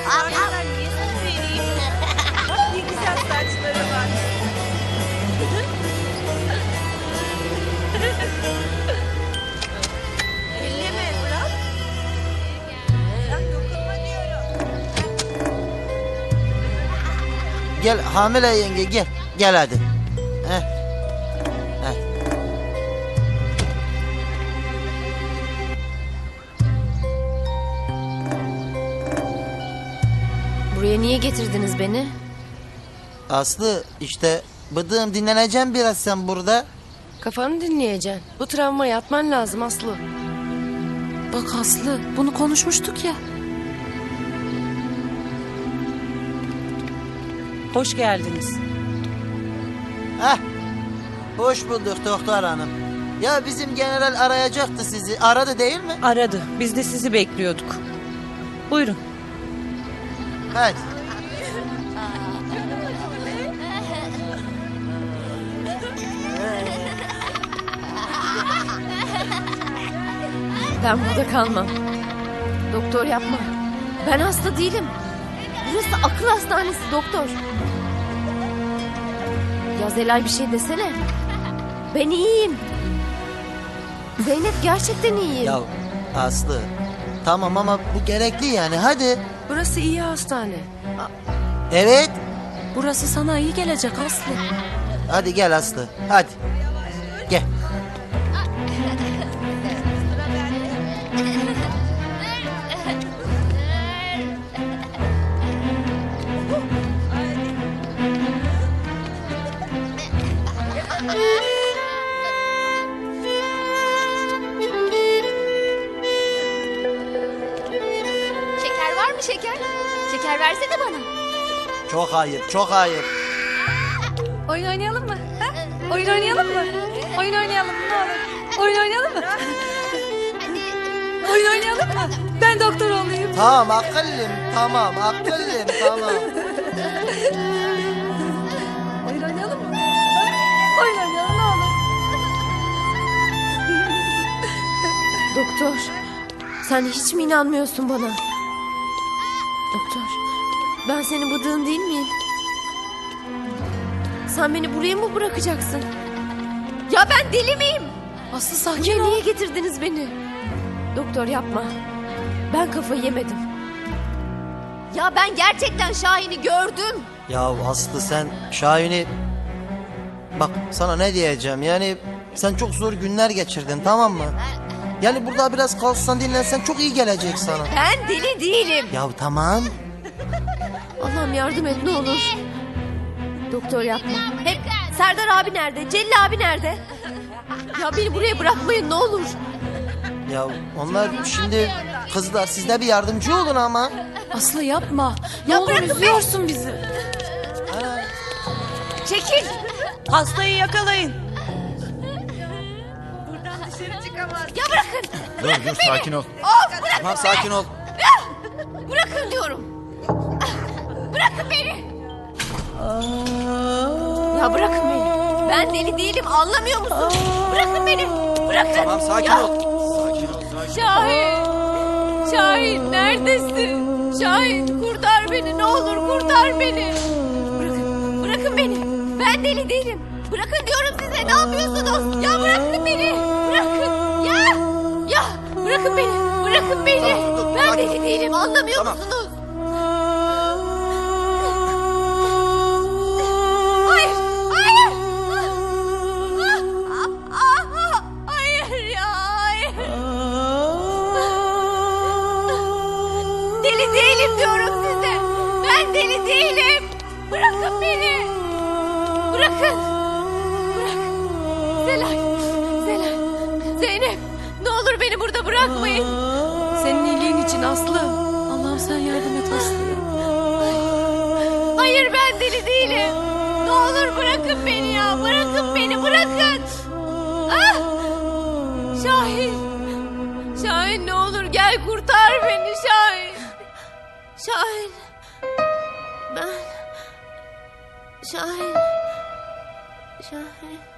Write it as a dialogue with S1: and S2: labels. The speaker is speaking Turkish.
S1: Sonradan niye sana vereyim? Bak ne güzel saçları var. Elleme bırak. Bırak dokunma diyorum.
S2: Gel hamile yenge gel. Gel hadi. Heh. Heh.
S3: Buraya niye getirdiniz beni?
S2: Aslı işte bıdığım dinleneceğim biraz sen burada.
S3: Kafanı dinleyeceksin. Bu travmaya atman lazım Aslı.
S4: Bak Aslı, bunu konuşmuştuk ya.
S1: Hoş geldiniz.
S2: Heh. Hoş bulduk doktor hanım. Ya bizim general arayacaktı sizi. Aradı değil mi?
S1: Aradı. Biz de sizi bekliyorduk. Buyurun.
S2: Hadi.
S3: Ben burada kalmam. Doktor yapma. Ben hasta değilim. Burası akıl hastanesi doktor. Ya Zelal bir şey desene. Ben iyiyim. Zeynep gerçekten iyiyim.
S2: Ya Aslı tamam ama bu gerekli yani hadi.
S4: Burası iyi hastane.
S2: Evet.
S4: Burası sana iyi gelecek Aslı.
S2: Hadi gel Aslı. Hadi. Gel.
S5: Şeker var mı şeker? Şeker versene bana.
S2: Çok ayıp, çok ayıp.
S4: Oyun oynayalım mı? Ha? Oyun oynayalım mı? Oyun oynayalım mı? Ne olur? Oyun oynayalım mı? Oyun oynayalım mı? Ben doktor olayım.
S2: Tamam akıllım, tamam akıllım, tamam.
S4: Oyun oynayalım mı? Oyun oynayalım ne olur.
S3: Doktor, sen hiç mi inanmıyorsun bana? Doktor, ben senin bıdığın değil miyim? Sen beni buraya mı bırakacaksın? Ya ben deli miyim?
S4: Aslı sakin
S3: Buraya
S4: ol.
S3: niye getirdiniz beni? Doktor yapma. Ben kafayı yemedim. Ya ben gerçekten Şahin'i gördüm.
S2: Ya Aslı sen Şahin'i... Bak sana ne diyeceğim yani sen çok zor günler geçirdin tamam mı? Yani burada biraz kalsan dinlensen çok iyi gelecek sana.
S3: Ben deli değilim.
S2: Ya tamam.
S3: Allah'ım yardım et ne olur. Doktor yapma. Hep Serdar abi nerede? Celil abi nerede? Ya beni buraya bırakmayın ne olur.
S2: Ya onlar şimdi kızlar siz de bir yardımcı olun ama.
S4: Aslı yapma. Ne
S3: Ya
S4: olur
S3: bırakın
S4: üzüyorsun bizi.
S3: Çekil.
S1: Hastayı yakalayın.
S3: Ya bırakın.
S6: Dur sakin ol.
S3: Of bırakın.
S2: Tamam sakin ol.
S3: Bırakın diyorum. Bırakın beni. Ya bırakın beni. Ben deli değilim anlamıyor musun? Bırakın beni. Bırakın.
S2: Tamam sakin
S3: Ya.
S2: ol. Sakin ol sakin ol.
S3: Şahin. Şahin neredesin? Şahin kurtar beni ne olur kurtar beni. Bırakın. Bırakın beni. Ben deli değilim. Bırakın diyorum size ne yapıyorsunuz? Ya bırakın beni. Bırakın. Ya. Ya bırakın beni. Bırakın beni.
S2: Tamam, dur,
S3: Ben
S2: sakin
S3: deli
S2: ol.
S3: değilim anlamıyor
S2: Tamam.
S3: musunuz? Hayır. Hayır. Hayır ya. Hayır. Deli değilim diyorum size. Ben deli değilim. Bırakın beni. Bırakın. Bırak. Zelal. Zelal. Zeynep. Ne olur beni burada bırakmayın.
S4: Senin iyiliğin için Aslı. Allah'ım sen yardım et Aslı'ya.
S3: Hayır ben deli değilim. Ne olur bırakın beni ya. Bırakın beni bırakın. Ah! Şahin. Şahin ne olur gel kurtar beni Şahin. Şahin. Ben. Şahin. Şahin.